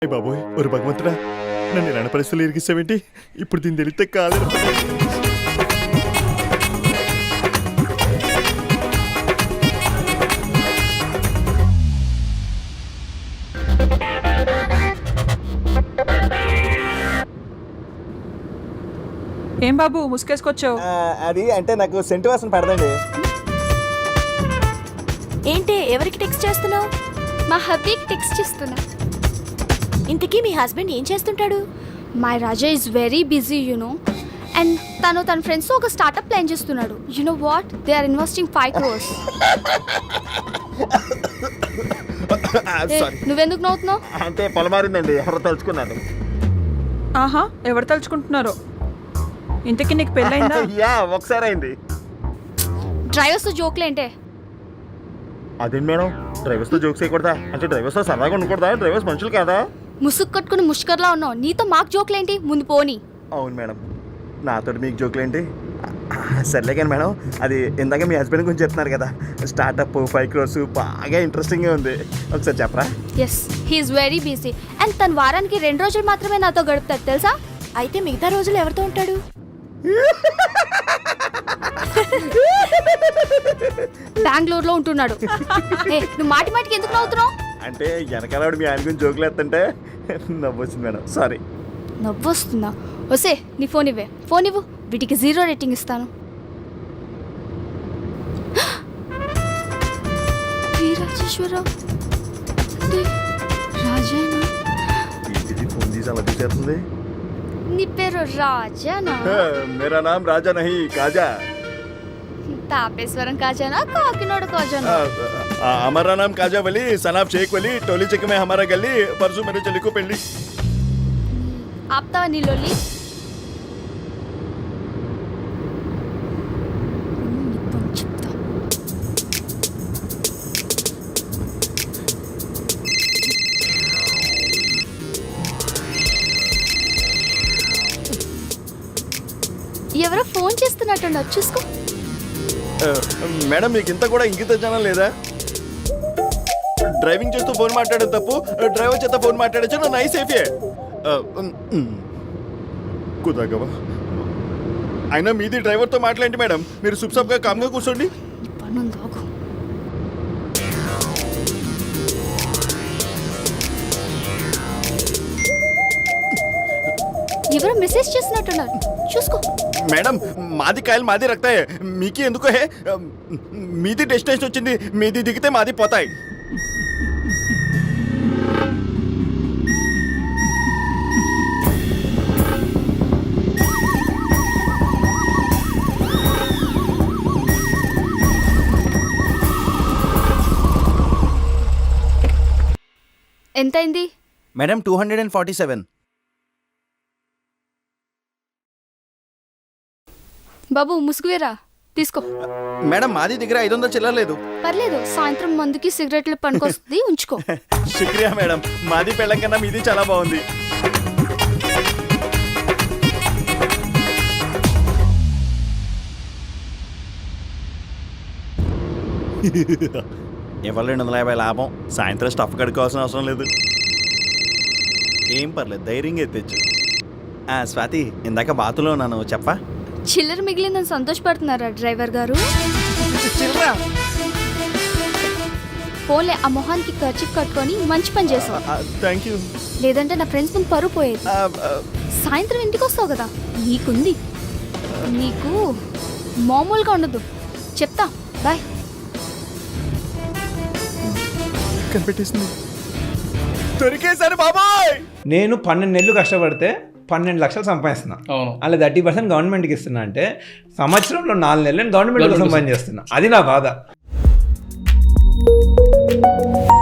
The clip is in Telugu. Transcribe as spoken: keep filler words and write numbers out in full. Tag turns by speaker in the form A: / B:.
A: బాబోయ్ ఒక భగవంతుడా, నన్ను ఇలాంటి పరిస్థితులు ఇరిగిస్తావేంటి? ఇప్పుడు దీన్ని తెలిస్తే కాలేదు.
B: ఏం బాబు ముసుకేసుకొచ్చావు?
A: అది అంటే నాకు సెంటు వాసన పడదండి.
C: ఏంటి ఎవరికి టెక్స్ట్ చేస్తున్నావు?
D: మా హబ్బీకి టెక్స్ట్ చేస్తున్నా.
C: ఇంతకీ మీ హస్బెండ్ ఏం చేస్తుంటాడు?
D: My Raja is very busy you know, and తను తన ఫ్రెండ్స్తో ఒక స్టార్ట్అప్ ప్లాన్ చేస్తున్నాడు. You know what, they are investing five crores. నువ్వెందుకు నవ్వుతున్నావు?
A: అంటే పొలమారిందండి, ఎవరు తలుచుకున్నాను.
B: ఆహా, ఎవరు తలుచుకుంటున్నారో. ఇంతకీ నీకు పెళ్ళైందా?
A: యా, ఒకసారి అయింది.
D: డ్రైవర్స్తో జోక్లేంటే?
A: అదేంటి మేడం, డ్రైవర్స్తో జోక్స్ చేయకూడదా? అంటే డ్రైవర్స్తో సరదాగా ఉండకూడదా? డ్రైవర్స్ మనుషులు కాదా?
D: ముసుగు కట్టుకుని ముష్కర్లా ఉన్నావు, నీతో మాకు జోక్లేంటి? ముందు పోనీ.
A: అవును మేడం, నాతో మీకు జోకులు ఏంటి? సర్లే కానీ మేడం, అది ఇందాక మీ హస్బెండ్ గురించి చెప్తున్నారు కదా, స్టార్టప్ ఫైవ్ క్రోర్స్, బాగా ఇంట్రెస్టింగ్గా ఉంది, ఒకసారి చెప్పరా?
D: Yes, he's very busy, and తన వారానికి రెండు రోజులు మాత్రమే నాతో గడుపుతాడు తెలుసా?
C: అయితే మిగతా రోజులు ఎవరితో ఉంటాడు?
D: బెంగళూరులో ఉంటున్నాడు. ఏ, నువ్వు మాటి మాటికి ఎందుకు నవ్వుతున్నావు?
A: అంటే వెనకాల మీ ఆయన గురించి జోకులు వేస్తుంటే నవ్వొచ్చింది మేడం, సారీ.
D: నవ్వొస్తుందా? వసే నీ ఫోన్ ఇవ్వే, ఫోన్ ఇవ్వు, వీటికి జీరో రేటింగ్ ఇస్తాను. రాజేశ్వరరావు రాజేనా?
A: ఇది ఫోన్ తీసి అలా తీసేస్తుంది.
D: నీ పేరు రాజానా?
A: మేరా నామ్ రాజా నహీ కాజా.
D: తాపేశ్వరం కాజానా, కాకినాడ కాజానా?
A: हमारा नाम काजा वली, सनाब शेख वली, टोली चक में हमारा गली, परसों मेरे चली को पेली.
D: ఆప్తావా నీ లొల్లి? ఎవరో ఫోన్ చేస్తున్నట్టున్నారు, చూసుకో.
A: మేడం, మీకు ఇంత కూడా ఇంకిత జనం లేదా? డ్రైవింగ్ చేస్తూ ఫోన్ మాట్లాడే తప్పు, డ్రైవర్ చేత ఫోన్ మాట్లాడచ్చు, నా నై సేఫే కుదాగవా. అయినా మీది డ్రైవర్తో మాట్లాడండి మేడం, మీరు సుప్సప్గా కామ్గా కూర్చోండి.
D: ఎవరో మెసేజ్ చేస్తున్నట్టున్నారు, చూసుకో.
A: మేడం, మాది కాయలు మాది రక్తాయి, మీకి ఎందుకో హే. మీది డెస్టినేషన్ వచ్చింది, మీది దిగితే మాది పోతాయి.
D: ఎంతైంది
E: madam? Two hundred and forty seven.
D: బాబు ముసుగువేరా, తీసుకో.
E: మేడం, మాది దగ్గర ఐదు వందలు చిల్లలేదు.
D: పర్లేదు, సాయంత్రం మందుకి సిగరెట్లు పనికొస్తుంది, ఉంచుకో.
A: శుక్రియా మేడం, మాది పెళ్ళం కన్నా మీది చాలా బాగుంది. ఇవాళ రెండు వందల యాభై లాభం, సాయంత్రం స్టఫ్ కడుక్కోవాల్సిన అవసరం లేదు. ఏం పర్లేదు, ధైర్యంగా ఎత్తచ్చు. స్వాతి, ఇందాక బాతులో ఉన్నాను, చెప్పా.
D: చిల్లర మిగిలిందని సంతోషపడుతున్నారా డ్రైవర్ గారు? ఫోన్లే, ఆ మొహానికి ఖర్చు కట్టుకొని మంచి పని చేసావు.
A: Thank you.
D: లేదంటే నా ఫ్రెండ్స్ ముందు పరువు పోయేది. సాయంత్రం ఇంటికి వస్తావు కదా, నీకుంది. నీకు మామూలుగా ఉండదు, చెప్తా. బాయ్.
A: కనిపెట్టేసింది, దొరికేసాను బాబాయ్.
F: నేను పన్నెండు నెలలు కష్టపడితే పన్నెండు లక్షలు సంపాదిస్తున్నా. అలా థర్టీ పర్సెంట్ గవర్నమెంట్కి ఇస్తున్నా అంటే సంవత్సరంలో నాలుగు నెలలు నేను గవర్నమెంట్ కోసం పని చేస్తున్నా. అది నా బాధ.